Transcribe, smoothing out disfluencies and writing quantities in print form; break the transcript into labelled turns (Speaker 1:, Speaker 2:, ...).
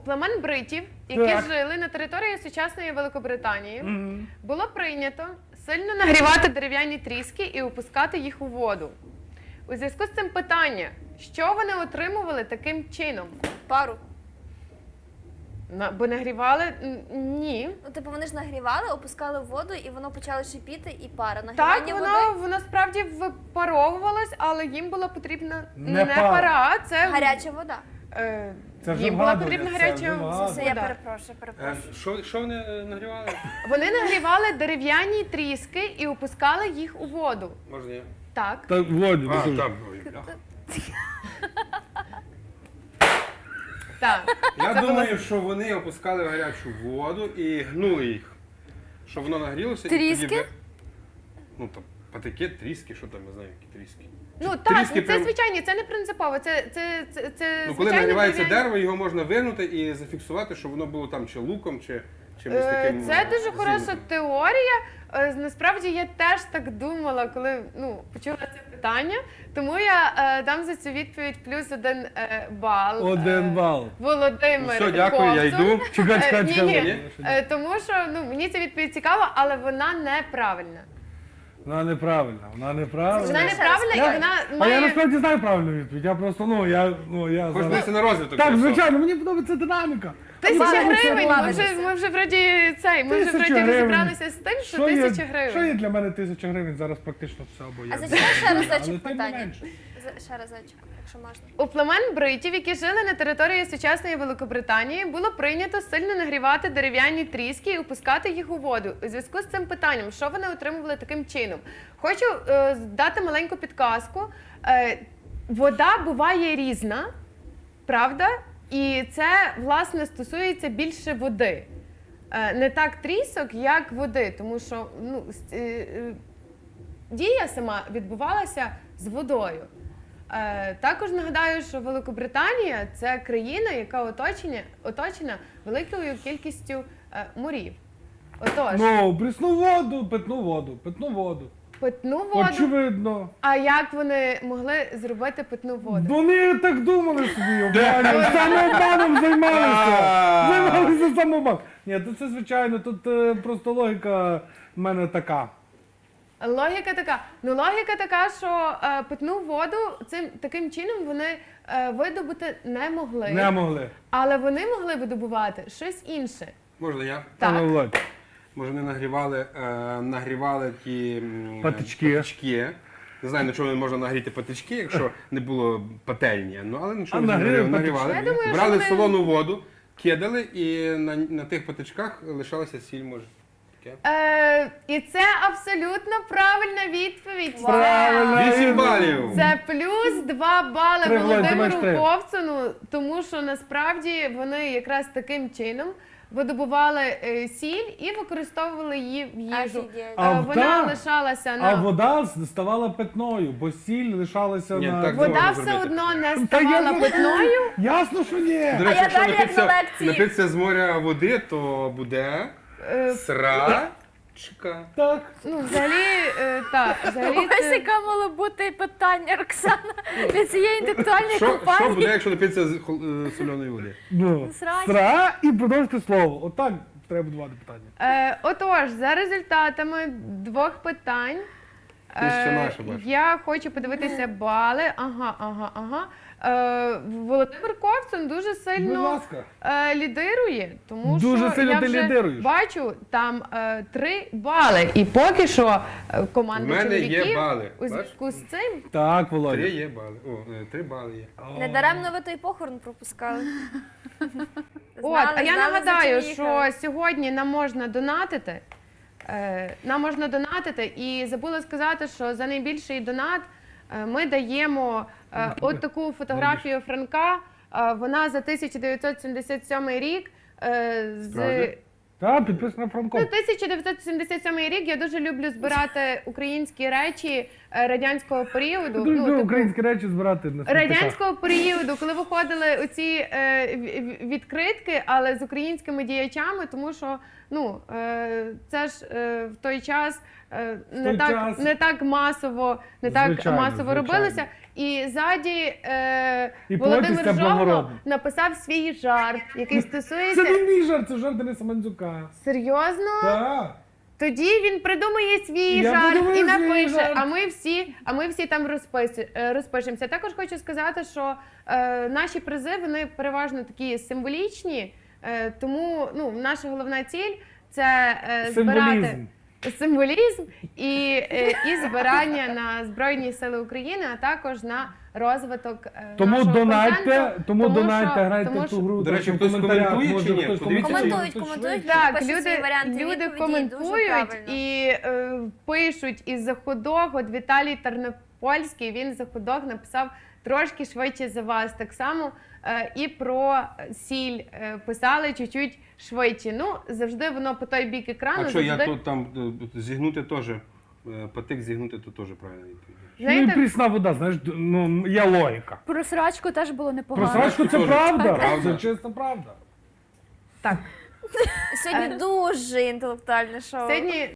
Speaker 1: Племен бритів, які жили на території сучасної Великобританії, було прийнято сильно нагрівати дерев'яні тріски і опускати їх у воду. У зв'язку з цим питання, що вони отримували таким чином?
Speaker 2: Пару.
Speaker 1: Бо нагрівали? Ні.
Speaker 2: Ну, типу, вони ж нагрівали, опускали в воду, і воно почало шипіти, і пара.
Speaker 1: Так,
Speaker 2: Нагрівання
Speaker 1: воно справді випаровувалось, але їм була потрібна
Speaker 3: Не
Speaker 1: пара, це
Speaker 2: гаряча вода.
Speaker 3: Це вже
Speaker 1: їм була
Speaker 3: вгадування,
Speaker 1: потрібна
Speaker 3: це
Speaker 1: гаряча
Speaker 3: вже
Speaker 1: вода.
Speaker 2: Все, я перепрошую.
Speaker 4: Що вони нагрівали?
Speaker 1: Вони нагрівали дерев'яні тріски і опускали їх у воду.
Speaker 4: Можна я?
Speaker 1: Так.
Speaker 3: Так, Володя,
Speaker 4: А,
Speaker 3: ну,
Speaker 4: так. Ой, бляха.
Speaker 1: Так.
Speaker 4: Я думаю, що вони опускали в гарячу воду і гнули їх. Щоб воно нагрілося.
Speaker 2: Тріски?
Speaker 4: І тоді ну там патики, тріски, що там, я знаю, які тріски.
Speaker 1: Ну
Speaker 4: Чи
Speaker 1: так,
Speaker 4: тріски
Speaker 1: це
Speaker 4: прям-
Speaker 1: звичайні, це не принципово. Це
Speaker 4: Ну, коли
Speaker 1: звичайні
Speaker 4: нагрівається
Speaker 1: дерев'яні-
Speaker 4: дерево, його можна вигнути і зафіксувати, щоб воно було там чи луком, чи чимось таким.
Speaker 1: Це дуже хороша
Speaker 4: зігнутим.
Speaker 1: теорія. Насправді я теж так думала, коли почула це питання. Тому я дам за цю відповідь +1 бал.
Speaker 3: 1 бал.
Speaker 1: Володимир.
Speaker 4: Ну, все, дякую, я
Speaker 1: Ковтун.
Speaker 4: йду.
Speaker 3: Чекай.
Speaker 1: Ні. Тому що мені ця відповідь цікава, але вона неправильна.
Speaker 3: Вона неправильна,
Speaker 1: Вона неправильна і
Speaker 3: Я-
Speaker 1: вона
Speaker 3: А я
Speaker 1: має...
Speaker 3: насправді знаю правильну відповідь. Я просто, я
Speaker 4: Хоч
Speaker 3: зараз...
Speaker 4: дивися на розвиток.
Speaker 3: Так,
Speaker 4: і все.
Speaker 3: звичайно, мені подобається динаміка.
Speaker 1: 1000
Speaker 3: Ладно,
Speaker 1: гривень,
Speaker 3: ладно.
Speaker 1: ми вже вроді розібралися з тим, що 1000 гривень.
Speaker 3: Що є для мене 1000 гривень? Зараз практично все або я.
Speaker 2: А зачекай ще разочок
Speaker 3: Але тим не
Speaker 2: питання.
Speaker 3: менше.
Speaker 2: Ще разочок, якщо можна.
Speaker 1: У племен бритів, які жили на території сучасної Великобританії, було прийнято сильно нагрівати дерев'яні тріски і опускати їх у воду. У зв'язку з цим питанням, що вони отримували таким чином? Хочу дати маленьку підказку. Вода буває різна, правда? І це, власне, стосується більше води. Не так трісок, як води, тому що дія сама відбувалася з водою. Також нагадаю, що Великобританія – це країна, яка оточена великою кількістю морів. Отож,
Speaker 3: Ну, прісну воду, питну воду.
Speaker 1: питну воду.
Speaker 3: Очевидно.
Speaker 1: А як вони могли зробити питну воду?
Speaker 3: Вони так думали собі, обманювали. Самообманом займалися. Займалися самообманом. Ні, то це звичайно, тут просто логіка в мене така.
Speaker 1: Логіка така, що питну воду таким чином вони видобути не могли.
Speaker 3: Не могли.
Speaker 1: Але вони могли видобувати щось інше.
Speaker 4: Можна я?
Speaker 1: Так.
Speaker 3: Пане Володь.
Speaker 4: Може, вони нагрівали ті
Speaker 3: Патички.
Speaker 4: Не знаю, на чому не можна нагріти патички, якщо не було пательні. Ну, але на чому
Speaker 3: нагріли
Speaker 4: нагрівали.
Speaker 1: Я думаю, що
Speaker 4: Брали
Speaker 1: вони-
Speaker 4: солону воду, кидали і на тих патичках лишалася сіль, може. Таке.
Speaker 1: І це абсолютно правильна відповідь.
Speaker 3: Правильно.
Speaker 4: 8 балів!
Speaker 1: Це +2 бали
Speaker 3: Три, Володь, ти маєш
Speaker 1: Володимиру
Speaker 3: три.
Speaker 1: Ковцуну, тому що насправді вони якраз таким чином видобували сіль і використовували її в їжу.
Speaker 2: Офігеть.
Speaker 3: А
Speaker 1: Вона
Speaker 3: вода-
Speaker 1: лишалася
Speaker 3: А
Speaker 1: на...
Speaker 3: вода ставала питною, бо сіль лишалася
Speaker 4: Ні,
Speaker 3: на...
Speaker 4: так
Speaker 1: Вода
Speaker 4: можна
Speaker 1: все
Speaker 4: зробити.
Speaker 1: одно не
Speaker 3: Та я
Speaker 1: ставала
Speaker 3: не-
Speaker 1: питною.
Speaker 3: Ясно, що ні.
Speaker 4: До речі,
Speaker 2: я
Speaker 4: якщо
Speaker 2: далі як на лекції.
Speaker 4: напитися з моря води, то буде срачка.
Speaker 3: Так.
Speaker 1: Взагалі, взагалі
Speaker 2: Ось
Speaker 1: це...
Speaker 2: яке мало бути питання, Роксана, від цієї інтелектуальної
Speaker 4: Що
Speaker 2: компанії.
Speaker 4: буде, якщо напитися з соляної води?
Speaker 3: Ну,
Speaker 2: Срач.
Speaker 3: сра і продовжити слово. Отак треба будувати питання.
Speaker 1: Отож, за результатами 2 питань,
Speaker 4: Ти ще наша бачиш.
Speaker 1: я хочу подивитися бали. Ага. Володимир Ковцун дуже
Speaker 3: Будь
Speaker 1: сильно
Speaker 3: ласка.
Speaker 1: лідирує, тому
Speaker 3: Дуже
Speaker 1: що
Speaker 3: сильно
Speaker 1: я
Speaker 3: ти
Speaker 1: вже
Speaker 3: лідируєш.
Speaker 1: бачу там 3 бали. І поки що
Speaker 4: В
Speaker 1: команда
Speaker 4: мене є
Speaker 1: чоловіків
Speaker 4: бали.
Speaker 1: у зв'язку з цим
Speaker 3: Так,
Speaker 4: 3
Speaker 3: Володя.
Speaker 4: є бали. 3 бали є.
Speaker 2: Недаремно ви той похорон пропускали.
Speaker 1: А я нагадаю,
Speaker 2: за чим
Speaker 1: що
Speaker 2: їхали.
Speaker 1: сьогодні нам можна донатити. І забула сказати, що за найбільший донат ми даємо от таку фотографію Франка. Вона за 1977 рік.
Speaker 4: Справді?
Speaker 3: Так, підписано Франко.
Speaker 1: 1977 рік. Я дуже люблю збирати українські речі радянського періоду.
Speaker 3: Дуже українські речі збирати на смітниках.
Speaker 1: Радянського періоду, коли виходили оці відкритки, але з українськими діячами, тому що це ж в той час не
Speaker 3: той
Speaker 1: так,
Speaker 3: час.
Speaker 1: не так масово, не так
Speaker 3: Звичайно,
Speaker 1: масово
Speaker 3: звичайно.
Speaker 1: робилося. І ззаді
Speaker 3: І
Speaker 1: Володимир
Speaker 3: плодиться
Speaker 1: Жогло
Speaker 3: благородно.
Speaker 1: написав свій жарт, який
Speaker 3: Це
Speaker 1: стосується.
Speaker 3: не мій жарт, це жарт Дениса Мандзюка.
Speaker 1: Серйозно?
Speaker 3: Так.
Speaker 1: Тоді він придумає свій
Speaker 3: Я
Speaker 1: жарт
Speaker 3: придумаю
Speaker 1: і
Speaker 3: свій
Speaker 1: напише,
Speaker 3: жарт.
Speaker 1: а ми всі там розпишемося. Також хочу сказати, що наші призи вони переважно такі символічні, тому ну, наша головна ціль це збирати
Speaker 3: Символізм.
Speaker 1: символізм і збирання на Збройні Сили України, а також на розвиток
Speaker 3: Тому
Speaker 1: нашого
Speaker 3: донайте,
Speaker 1: контенту.
Speaker 3: тому
Speaker 1: що-
Speaker 3: донайте, грайте
Speaker 1: тому
Speaker 3: в ту
Speaker 1: що-
Speaker 3: гру.
Speaker 4: До речі,
Speaker 3: там в
Speaker 4: хтось
Speaker 3: коментарях,
Speaker 4: коментує
Speaker 3: може,
Speaker 4: чи ні?
Speaker 3: хтось
Speaker 4: Подивіться,
Speaker 3: коментує,
Speaker 2: Коментують,
Speaker 3: хтось
Speaker 2: коментують.
Speaker 3: швидше.
Speaker 1: Так,
Speaker 2: Пишуть свої варіанти
Speaker 1: люди
Speaker 2: відповіді,
Speaker 1: коментують
Speaker 2: дуже правильно.
Speaker 1: і пишуть із заходок. От Віталій Тернопольський, він з заходок написав трошки швидше за вас. Так само і про сіль писали чуть-чуть швидше. Ну, завжди воно по той бік екрану.
Speaker 4: А що, я
Speaker 1: завжди...
Speaker 4: тут там зігнути теж, патик зігнути, то теж правильно відповідь.
Speaker 3: Ну і
Speaker 1: Знаєте,
Speaker 3: прісна вода, знаєш, ну, є логіка.
Speaker 5: Про срачку теж було
Speaker 3: Про
Speaker 5: непогано.
Speaker 3: срачку це
Speaker 4: Теж.
Speaker 3: правда,
Speaker 4: Правда.
Speaker 3: це чиста правда.
Speaker 1: так.
Speaker 2: Сьогодні дуже інтелектуальне шоу.
Speaker 1: Сьогодні